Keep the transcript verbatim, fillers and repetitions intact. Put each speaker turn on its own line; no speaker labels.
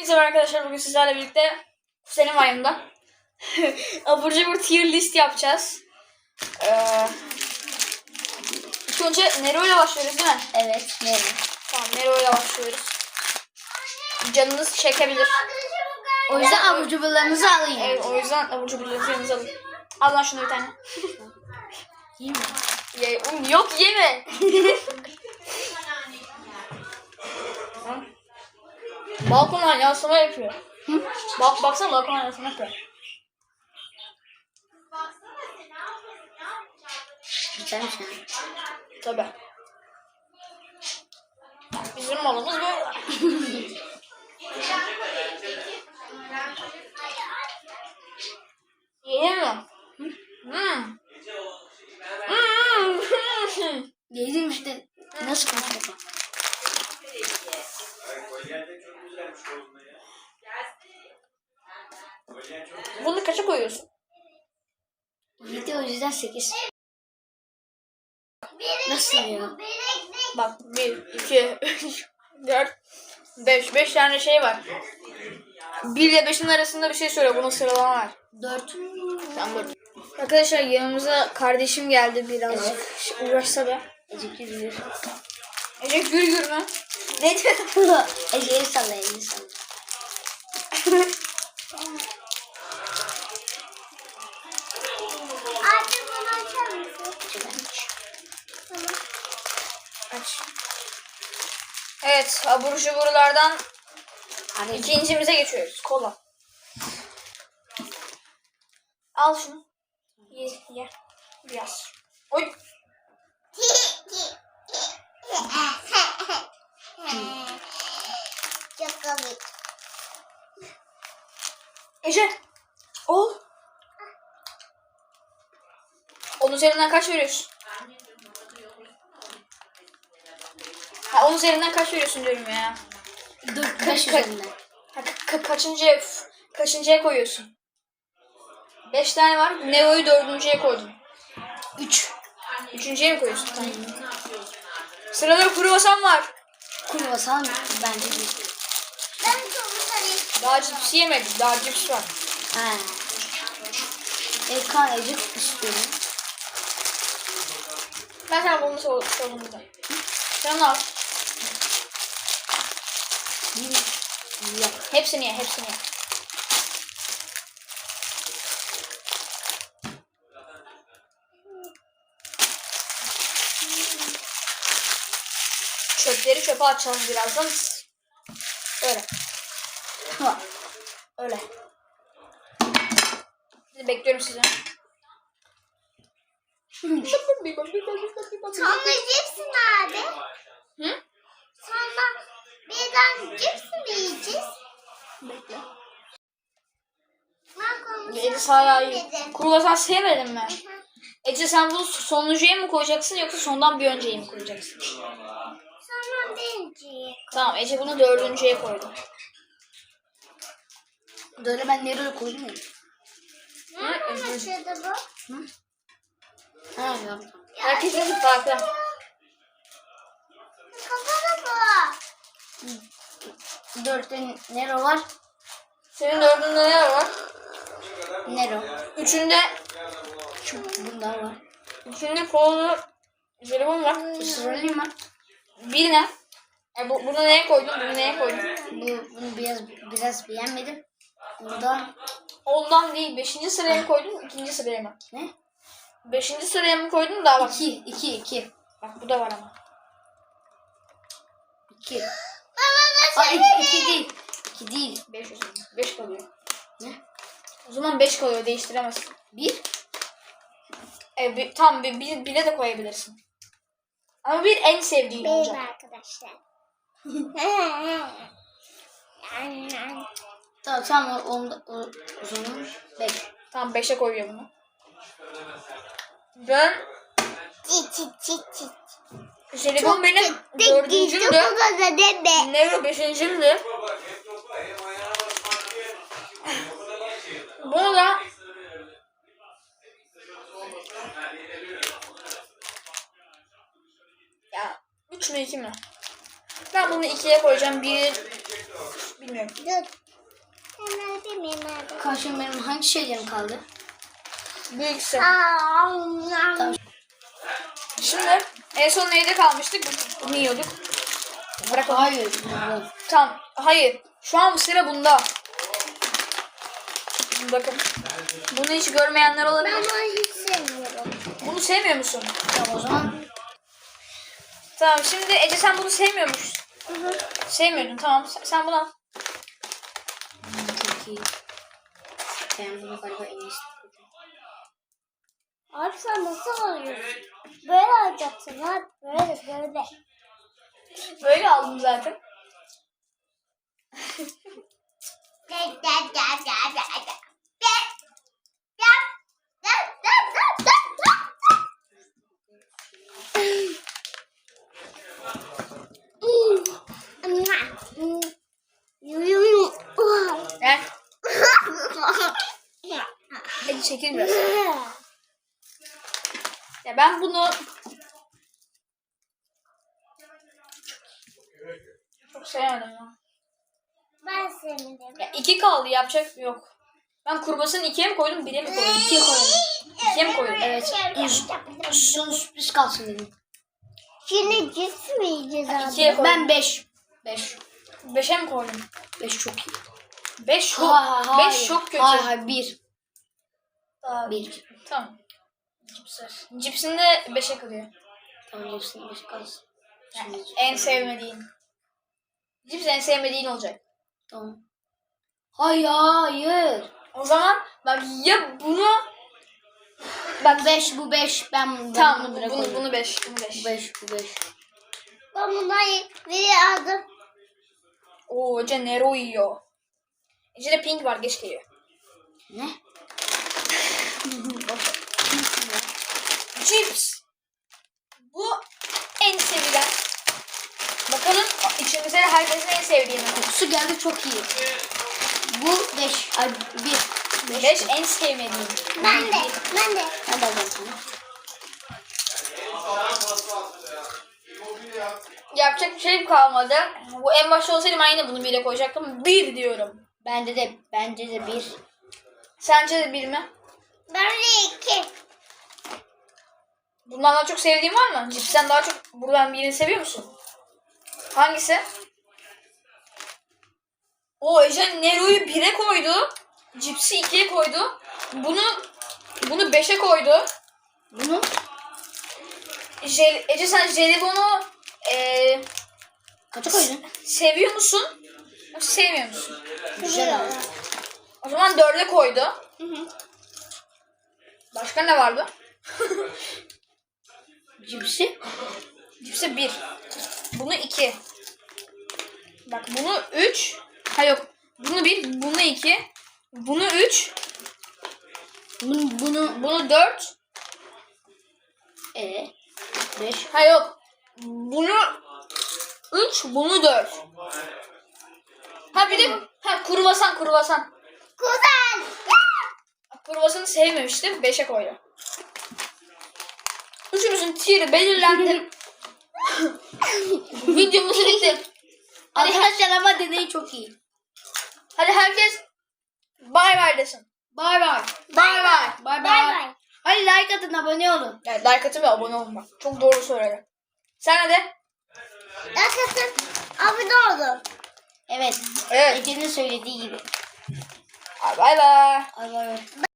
Merhaba arkadaşlar, bugün sizlerle birlikte Selim ayımda abur cubur tier list yapacağız. Ee, ilk önce Nero ile başlıyoruz değil mi?
Evet, Nero.
Tamam, Nero ile başlıyoruz. Canınız çekebilir.
O yüzden abur cuburlarınızı alın.
Evet, o yüzden abur cuburlarınızı yanınıza alın. Al lan şunu bir tane.
Yiyeyim mi?
Ye, oğlum yok yeme. Balkondan yansıma yapıyor. Bak baksana balkondan yansıma yapıyor.
Güzelmiş ha.
Tabii. Bizim malımız böyle. Yenir mi? Hmm. Hmm.
Yedim işte. Nasıl konuşuyor?
Bunu kaça koyuyorsun?
Yedi, o yüzden sekiz. Nasıl ya?
Bak bir, iki, üç, dört, beş. Beş tane şey var. Bir ile beşin arasında bir şey söyle. Bunun sıralama var.
Dört.
Tamam dört. Arkadaşlar yanımıza kardeşim geldi birazcık. Evet. Uğraşsa da.
Ecik yürüyor.
Ece gür gür mü?
Ne diyor? Ece'yi salla, elini salla.
Artık bunu açar mısın?
Tamam.
Aç. Evet, abur cuburlardan
Abi,
ikincimize geçiyoruz. Kola. Al şunu. Ye, ye. Biraz. Oy.
Çok komik.
Ece. Ol. Onun üzerinden kaç veriyorsun? Ha, onun üzerinden kaç veriyorsun diyorum ya.
dört, beş
Ka-
üzerinden.
Ha, ka- kaçıncıya, f- kaçıncıya koyuyorsun? Beş tane var. Neo'yu dördüncüye koydum.
Üç.
Üçüncüye mi koyuyorsun? Tamam. Sırada kruvasan var.
Kruvasan bence değil.
Ben çok sarayım.
Daha cips yemedik. Daha cips var.
Ha. Eka ecik istiyorum.
Ben sana bunu sor sorumluyum. Sen al.
Ye.
Hepsini ye. Hepsini ye. Çöpleri çöpe açalım birazdan. Öyle.
Ha.
Öyle. Şimdi bekliyorum sizi.
Sonra cips nerede?
Hı?
Sonra birden cips mi yiyeceğiz?
Bekle.
Ben konuşuyorum.
Ece hala iyi.
dedim.
Kruvasan sevmedin mi? Ece sen bunu sonuncuya mı koyacaksın yoksa sondan bir önceye mi koyacaksın?
Sonra birinci.
Tamam, Ece bunu dördüncüye koydu.
Böyle ben nereye koydum ya?
Nereden açıldı bu?
Ha yaptım.
Herkesin farklı.
Kapalı bu.
Dörtte Nero var.
Senin dördünde ne var?
Nero.
Üçünde,
Bunlar var.
üçünde kolu jelibon var.
Israrlıyım var.
Bir ne? E bu, bunu neye koydun? Bunu neye koydun?
Bu, bunu biraz biraz beğenmedim. Burada
Ondan değil. Beşinci sıraya mı koydun? İkinci sıraya mı?
ne?
Beşinci sıraya mı koydun? Daha bak.
İki, iki, iki.
Bak bu da var ama.
İki.
Baba
Aa, iki, iki değil. İki değil.
Beş, beş kalıyor.
Ne?
O zaman beş kalıyor. Değiştiremezsin.
Bir.
E, bir, tam bir, bir, bire de koyabilirsin. Ama bir en sevdiğin
benim
olacak.
arkadaşlar.
Tamam tamam o, onda, o, o zaman beş.
Tamam beşe koyuyor bunu. Ben
Çit çit çit çit.
jelibon benim dördüncümdü.
deme.
Nero beşincimdi. Bunu da ya üç mü iki mi? Ben bunu ikiye koyacağım. Bir Bilmiyorum.
Dur. Hemen bilmeyeyim nerede.
Karşım benim hangi şeylerim kaldı?
Büyükse.
Tamam.
Şimdi en son neyde kalmıştık? Bunu yiyorduk. Bırakalım.
Hayır. bu.
Tamam. Hayır. Şu an bu sıra bunda. Bakın. Bunu hiç görmeyenler
Ben
olabilir.
bunu hiç sevmiyorum.
Bunu sevmiyor musun?
Tamam o zaman.
Tamam şimdi Ece sen bunu sevmiyormuş. Sevmiyordun tamam. Sen, sen bunu al.
Çok iyi. Ben bunu galiba en iyisi.
Abi sen nasıl alıyorsun? Böyle alacaksın ha. Böyle böyle.
Böyle aldım zaten. Gel. Ece çekil biraz. Ya ben bunu çok sevmedim ya.
Ben sevmedim.
Ya iki kaldı yapacak yok. Ben kurbasını ikiye mi koydum bire mi koydum? İkiye koydum. İkiye mi koydum?
Evet. Son sürpriz kalsın dedim.
Şimdi cips mi yiyeceğiz abi?
İkiye koydum.
Ben beş. beş.
Beşe mi koydum?
beş çok iyi.
Beş çok.
Hayır, hayır,
Beş çok kötü.
Hayır hayır bir.
Daha-
Bir.
Tamam. Cipsler. Cipsini de beşe kırıyor.
Tamam hepsini beş kalsın.
Yani
Şimdi-
en sevmediğin. Cips en sevmediğin olacak.
Tamam. Hayır hayır.
O zaman bak ya bunu
Bak beş bu beş. Ben bunu
tamam
bunu
bunu,
bırak
bunu,
koyayım.
bunu beş. Bunu beş.
Bu beş bu beş.
Ben bunları biri aldım.
Oo Ece Nero yiyor. Ece'de pink var geç geliyor.
Ne?
Cips. Bu en sevilen. Bakalım içimizde herkesin en sevdiğini.
Kokusu geldi çok iyi. Bu beş. Ay bir.
Beş en sevmediğim.
Ben de. Ben de.
Ben de alacağım sana.
Yapacak bir şey kalmadı. Bu en başta olsaydım ben yine bunu bire koyacaktım. Bir diyorum.
Bende de bence de bir.
Sence de bir mi?
Ben de iki.
Bundan daha çok sevdiğin var mı? Cipsten daha çok buradan birini seviyor musun? Hangisi? O Ece Nero'yu bire koydu. Cipsi ikiye koydu. Bunu bunu beşe koydu.
Bunu
Jel, Ece sen jelibonu eee
kaça koydun?
seviyor musun? Yoksa sevmiyor musun?
Güzel abi.
O zaman dörde koydu. Başka ne vardı?
Cipsi.
Cipsi bir. Bunu iki. Bak bunu üç. Ha yok. Bunu bir. Bunu iki. Bunu üç.
Bunu, bunu
Bunu dört.
e beş.
Ha yok. Bunu üç. Bunu dört. Ha bir de ha kurvasan kurvasan.
Güzel.
Kurvasanı sevmemiştim. Beşe koydum. Üçümüzün tier'i belirlendi. Videomuz bitti. Hadi,
Arkadaşlar ama deneyi çok iyi.
hadi herkes bay bay desin.
Bay bay.
Bay bay.
Bay
Bay bay.
Hadi like atın, abone olun.
Yani like atın ve abone olun bak. Çok doğru söyledi. Sen de.
Arkadaşlar abone olun.
Evet.
Evet.
Ece'nin söylediği gibi.
Bay bay.
Bay bay.